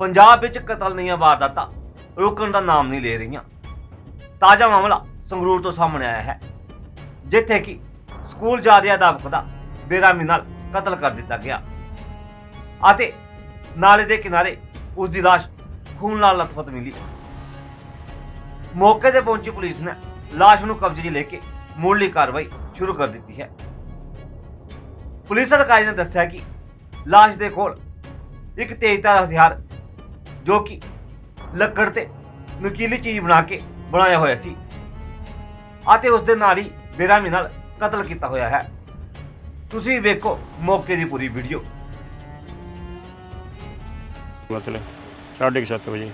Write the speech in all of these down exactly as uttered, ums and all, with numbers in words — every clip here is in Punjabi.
पंजाब विच कतल ਦੀਆਂ ਵਾਰਦਾਤਾਂ ਰੁਕਣ ਦਾ ਨਾਮ ਨਹੀਂ ਲੈ ਰਹੀਆਂ। ਤਾਜ਼ਾ ਮਾਮਲਾ ਸੰਗਰੂਰ ਤੋਂ ਸਾਹਮਣੇ ਆਇਆ ਹੈ, ਜਿੱਥੇ ਕਿ ਸਕੂਲ ਜਾ ਰਿਹਾ ਅਧਿਆਪਕ ਦਾ ਬੇਰਹਿਮੀ ਨਾਲ ਕਤਲ ਕਰ ਦਿੱਤਾ ਗਿਆ ਅਤੇ ਨਾਲੇ ਦੇ ਕਿਨਾਰੇ ਉਸ ਦੀ ਲਾਸ਼ ਖੂਨ ਨਾਲ ਲਥਪਥ ਮਿਲੀ। ਮੌਕੇ ਤੇ ਪਹੁੰਚੀ ਪੁਲਿਸ ਨੇ ਲਾਸ਼ ਨੂੰ ਕਬਜ਼ੇ 'ਚ ਲੈ ਕੇ ਮੁੱਢਲੀ ਕਾਰਵਾਈ ਸ਼ੁਰੂ ਕਰ ਦਿੱਤੀ ਹੈ। ਪੁਲਿਸ ਅਧਿਕਾਰੀ ਨੇ ਦੱਸਿਆ ਕਿ ਲਾਸ਼ ਦੇ ਕੋਲ ਇੱਕ ਤੇਜ਼ਧਾਰ ਹਥਿਆਰ ਜੋ ਕਿ ਲੱਕੜ ਤੇ ਨੁਕੀਲੀ ਚੀਜ਼ ਬਣਾ ਕੇ ਬਣਾਇਆ ਹੋਇਆ ਸੀ ਅਤੇ ਉਸ ਦੇ ਨਾਲ ਹੀ ਬੇਰਹਿਮੀ ਨਾਲ ਕਤਲ ਕੀਤਾ ਹੋਇਆ ਹੈ। ਤੁਸੀਂ ਵੇਖੋ ਮੌਕੇ ਦੀ ਪੂਰੀ ਵੀਡੀਓ। मतलब साढ़े सत्त बजे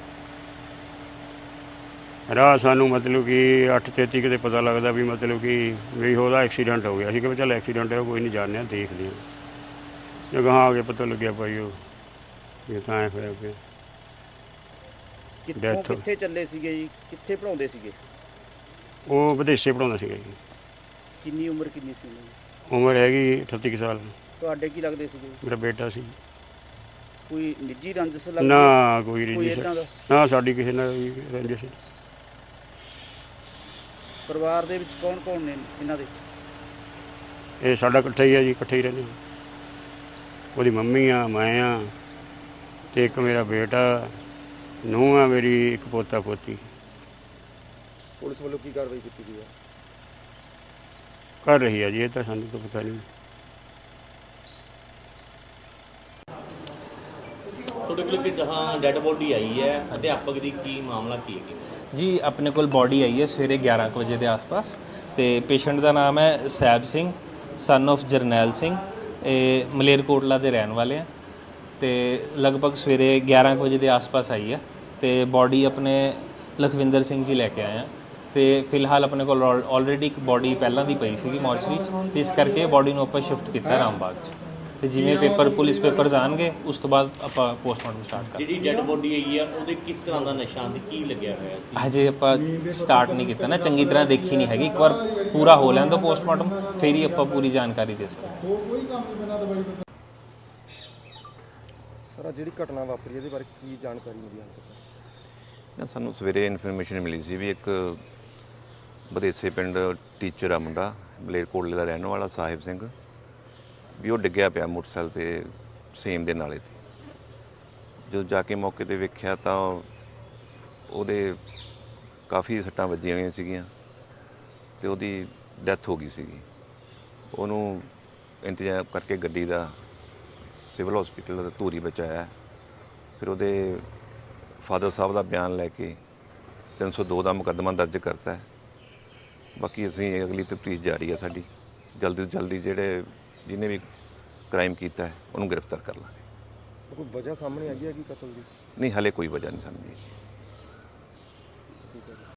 राह सानू मतलब कि अठ तेती किते पता लगता भी मतलब कि भी होदा एक्सीडेंट हो गया। कि चल एक्सीडेंट है कोई नहीं जानने देखते हैं जो कहाँ आगे पता लग गया भाई वो ये तो ऐ होया कि ਕਿੱਥੋਂ ਕਿੱਥੇ ਚੱਲੇ ਸੀਗੇ ਜੀ, ਕਿੱਥੇ ਪੜਾਉਂਦੇ ਸੀਗੇ? ਉਹ ਵਿਦੇਸ਼ੇ ਪੜਾਉਂਦਾ ਸੀਗਾ ਜੀ। ਕਿੰਨੀ ਉਮਰ ਕਿੰਨੀ ਸੀ ਉਹਨਾਂ ਦੀ? ਉਮਰ ਹੈਗੀ ਅਠੱਤੀ ਕੁ ਸਾਲ। ਤੁਹਾਡੇ ਕੀ ਲੱਗਦੇ ਸੀਗੇ? ਮੇਰਾ ਬੇਟਾ ਸੀ। ਕੋਈ ਨਿੱਜੀ ਰੰਜਿਸ਼ ਲੱਗਦੀ? ਨਾ ਕੋਈ ਕੋਈ ਰੰਜਿਸ਼ ਏਦਾਂ ਦਾ? ਨਾ ਸਾਡੀ ਕਿਸੇ ਨਾਲ ਵੀ ਰੰਜਿਸ਼। ਪਰਿਵਾਰ ਦੇ ਵਿੱਚ ਕੌਣ ਕੌਣ ਨੇ ਇਹਨਾਂ ਦੇ? ਇਹ ਸਾਡਾ ਇਕੱਠਾ ਹੀ ਆ ਜੀ, ਇਕੱਠੇ ਹੀ ਰਹਿੰਦੇ ਹਾਂ। ਉਹਦੀ ਮੰਮੀ ਆ, ਮੈਂ ਆ ਤੇ ਇੱਕ ਮੇਰਾ ਬੇਟਾ, ਨੂੰਹ ਆ ਮੇਰੀ, ਇੱਕ ਪੋਤਾ ਪੋਤੀ। ਪੁਲਿਸ ਵੱਲੋਂ ਕੀ ਕਾਰਵਾਈ ਕੀਤੀ ਗਈ ਹੈ? ਕਰ ਰਹੀ ਆ ਜੀ, ਇਹ ਤਾਂ ਸਾਨੂੰ ਤਾਂ ਪਤਾ ਨਹੀਂ। ਤੁਹਾਡੇ ਕੋਲ ਕਿ ਹਾਂ ਡੈੱਡ ਬੋਡੀ ਆਈ ਹੈ, ਅਧਿਆਪਕ ਦੀ ਕੀ ਮਾਮਲਾ ਕੀ ਹੈ जी? अपने को बॉडी आई है सवेरे ग्यारह कुछ बजे के आस पास। तो पेशेंट का नाम है सैब सिंह सन ऑफ जरनैल सिंह, ये मलेरकोटला के रहने वाले हैं। तो लगभग सवेरे ग्यारह बजे के आस पास आई है। तो बॉडी अपने लखविंदर सिंह जी लैके आए हैं। तो फिलहाल अपने को ऑलरेडी एक बॉडी पहलों की पई सी मॉर्चरी, इस करके बॉडी को ਆਪਾਂ शिफ्ट किया रामबाग 'ਚ। ਤੇ ਜਿਵੇਂ ਪੇਪਰ ਪੁਲਿਸ ਪੇਪਰਸ ਆਣਗੇ ਉਸ ਤੋਂ ਬਾਅਦ ਆਪਾਂ ਪੋਸਟਮਾਰਟਮ ਸਟਾਰਟ ਕਰਾਂਗੇ। ਜਿਹੜੀ ਡੈੱਡ ਬੋਡੀ ਆਈ ਹੈ ਉਹਦੇ ਕਿਸ ਤਰ੍ਹਾਂ ਦਾ ਨਿਸ਼ਾਨ ਤੇ ਕੀ ਲੱਗਿਆ ਹੋਇਆ ਸੀ? ਹਜੇ ਆਪਾਂ ਸਟਾਰਟ ਨਹੀਂ ਕੀਤਾ ਨਾ, ਚੰਗੀ ਤਰ੍ਹਾਂ ਦੇਖੀ ਨਹੀਂ ਹੈਗੀ। ਇੱਕ ਵਾਰ ਪੂਰਾ ਹੋ ਲੈਣ ਦਿਓ ਪੋਸਟਮਾਰਟਮ, ਫਿਰ ਹੀ ਆਪਾਂ ਪੂਰੀ ਜਾਣਕਾਰੀ ਦੇ ਸਕਦੇ। ਸਰ ਜਿਹੜੀ ਘਟਨਾ ਵਾਪਰੀ ਇਹਦੇ ਬਾਰੇ ਕੀ ਜਾਣਕਾਰੀ ਮਿਲੀ ਹਾਲ ਤੱਕ? ਨਾ ਸਾਨੂੰ ਸਵੇਰੇ ਇਨਫੋਰਮੇਸ਼ਨ ਮਿਲੀ ਸੀ ਵੀ ਇੱਕ ਬਦੇਸੇ ਪਿੰਡ ਟੀਚਰ ਆ ਮੁੰਡਾ, ਮਲੇਰਕੋਟਲੇ ਦਾ ਰਹਿਣ ਵਾਲਾ ਸਾਹਿਬ ਸਿੰਘ, ਵੀ ਉਹ ਡਿੱਗਿਆ ਪਿਆ ਮੋਟਰਸਾਈਕਲ 'ਤੇ ਸੇਮ ਦੇ ਨਾਲੇ 'ਤੇ। ਜਦੋਂ ਜਾ ਕੇ ਮੌਕੇ 'ਤੇ ਵੇਖਿਆ ਤਾਂ ਉਹਦੇ ਕਾਫੀ ਸੱਟਾਂ ਵੱਜੀਆਂ ਹੋਈਆਂ ਸੀਗੀਆਂ ਅਤੇ ਉਹਦੀ ਡੈਥ ਹੋ ਗਈ ਸੀਗੀ। ਉਹਨੂੰ ਇੰਤਜ਼ਾਮ ਕਰਕੇ ਗੱਡੀ ਦਾ ਸਿਵਲ ਹਸਪੀਟਲ ਦਾ ਧੂਰੀ ਬਚਾਇਆ। ਫਿਰ ਉਹਦੇ ਫਾਦਰ ਸਾਹਿਬ ਦਾ ਬਿਆਨ ਲੈ ਕੇ ਤਿੰਨ ਸੌ ਦੋ ਦਾ ਮੁਕੱਦਮਾ ਦਰਜ ਕਰਤਾ ਹੈ। ਬਾਕੀ ਅਸੀਂ ਅਗਲੀ ਤਫਤੀਸ਼ ਜਾਰੀ ਹੈ ਸਾਡੀ। ਜਲਦੀ ਤੋਂ ਜਲਦੀ ਜਿਹੜੇ ਜਿਹਨੇ ਵੀ ਕ੍ਰਾਈਮ ਕੀਤਾ ਹੈ ਉਹਨੂੰ ਗ੍ਰਿਫਤਾਰ ਕਰ ਲਾਂਗੇ। ਕੋਈ ਵਜ੍ਹਾ ਸਾਹਮਣੇ ਆਈ ਹੈ ਕਿ ਕਤਲ ਦੀ? ਨਹੀਂ, ਹਾਲੇ ਕੋਈ ਵਜ੍ਹਾ ਨਹੀਂ ਸਾਹਮਣੇ ਆਈ।